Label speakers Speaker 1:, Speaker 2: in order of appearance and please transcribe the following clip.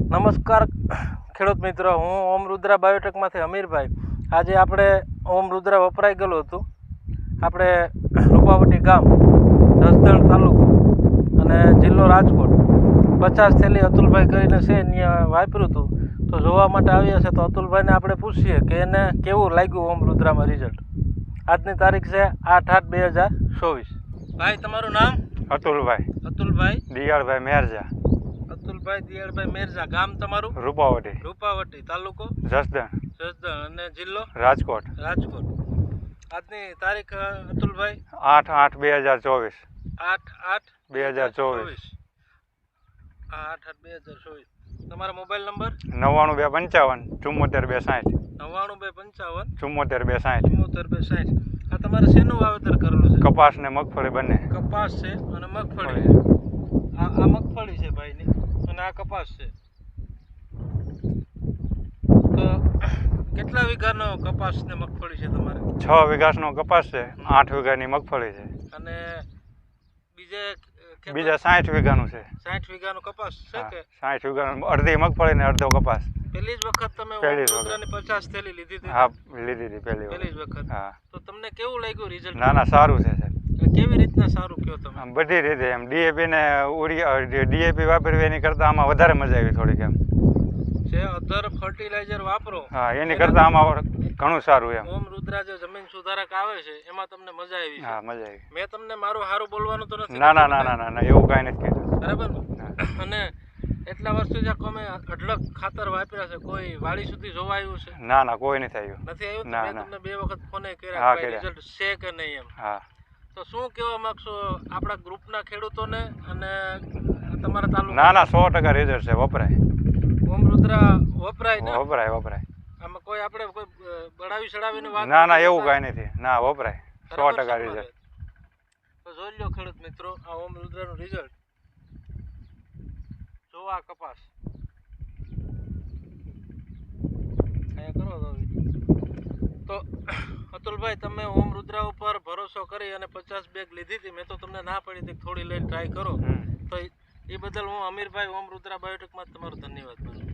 Speaker 1: નમસ્કાર ખેડૂત મિત્રો, હું ઓમ રુદ્રા બાયોટેકમાંથી અમીરભાઈ. આજે આપણે ઓમ રુદ્રા વપરાઈ ગયેલું હતું. આપણે રૂપાવટી ગામ, જસદણ તાલુકો અને જિલ્લો રાજકોટ 50 થેલી અતુલભાઈ કરીને છે ત્યાં વાપર્યું હતું. તો જોવા માટે આવ્યા છે. તો અતુલભાઈને આપણે પૂછીએ કે એને કેવું લાગ્યું ઓમ રુદ્રામાં રિઝલ્ટ. આજની તારીખ છે 8/8/2024. ભાઈ, તમારું નામ?
Speaker 2: અતુલભાઈ દિયાળભાઈ મેરજા.
Speaker 1: અતુલભાઈ દિયાળભાઈ મેરજા. ગામ તમારું? રૂપાવટી. તાલુકો? જસદણ અને જિલ્લો?
Speaker 2: રાજકોટ.
Speaker 1: આજની તારીખ અતુલભાઈ?
Speaker 2: 8/8/2024.
Speaker 1: 8/8/2024. 8/8/2024. તમારો મોબાઈલ નંબર?
Speaker 2: 99255
Speaker 1: 74260.
Speaker 2: 99255
Speaker 1: 74260. આ તમારે શેનું વાવેતર કરેલું છે?
Speaker 2: કપાસ ને મગફળી બંને.
Speaker 1: કપાસ છે અને મગફળી છે. આ મગફળી છે ભાઈની અને આ કપાસ છે. તો કેટલા વીઘાનો કપાસ ને મગફળી છે તમારે?
Speaker 2: 6 વીઘાનો કપાસ છે, 8 વીઘાની મગફળી છે
Speaker 1: અને
Speaker 2: બીજા 60 વીઘાનું છે.
Speaker 1: 60 વીઘાનો કપાસ છે કે?
Speaker 2: 60 વીઘાનું, અડધી મગફળી ને અડધો કપાસ.
Speaker 1: પહેલી જ વખત તમે ઓમરુદ્રાની 50 થેલી લીધી હતી?
Speaker 2: હા, લીધી હતી પહેલી
Speaker 1: જ વખત.
Speaker 2: હા.
Speaker 1: તો તમને કેવું લાગ્યું રિઝલ્ટ?
Speaker 2: ના, સારું છે સાહેબ.
Speaker 1: કેવી રીતના સારું કયો તમે?
Speaker 2: બધી રીતે એમ ડીએપી ને ડીએપી વાપરવી એની કરતાં આમાં વધારે મજા આવી થોડીક એમ
Speaker 1: છે. અધર ફર્ટિલાઇઝર વાપરો,
Speaker 2: હા, એની કરતાં આમાં ઘણું સારું એમ.
Speaker 1: ઓમ રુદ્રા જે જમીન સુધારક આવે છે એમાં તમને મજા આવી?
Speaker 2: હા, મજા આવી.
Speaker 1: મેં તમને મારું સારું બોલવાનું તો નથી?
Speaker 2: ના, એવું કાંઈ નથી કીધું.
Speaker 1: બરાબર. અને એટલા વર્ષથી જે અમે અઢળક ખાતર વાપર્યા છે, કોઈ વાડી સુધી જોવા આવ્યું છે?
Speaker 2: ના, કોઈ નથી આવ્યું.
Speaker 1: નથી આવ્યું? મેં તમને 2 વખત ફોને કર્યા,
Speaker 2: હા,
Speaker 1: કોઈ રિઝલ્ટ છે કે નહીં એમ.
Speaker 2: હા.
Speaker 1: તો શું કહેવા માંગશો આપણા ગ્રુપના ખેડૂતોને અને તમારા તાલુકા?
Speaker 2: ના, 100% રિઝલ્ટ છે. વપરાય.
Speaker 1: ઓમ રુદ્રા વપરાય ને?
Speaker 2: વપરાય.
Speaker 1: આમાં કોઈ આપણે કોઈ બળાવી ચડાવીને વાત?
Speaker 2: ના, એવું કાંઈ નથી. ના, વપરાય. 100% રિઝલ્ટ.
Speaker 1: તો જોઈ લો ખેડૂત મિત્રો, આ ઓમ રુદ્રાનું રિઝલ્ટ. જો આ કપાસ અહીંયા કરો તો અતુલભાઈ, તમે ઓમ રુદ્રા ઉપર ભરોસો કરી અને 50 બેગ લીધી હતી. મેં તો તમને ના પડી હતી થોડી લઈને ટ્રાય કરો. તો એ બદલ હું અમીરભાઈ ઓમ રુદ્રા બાયોટેકમાં તમારો ધન્યવાદ માનું.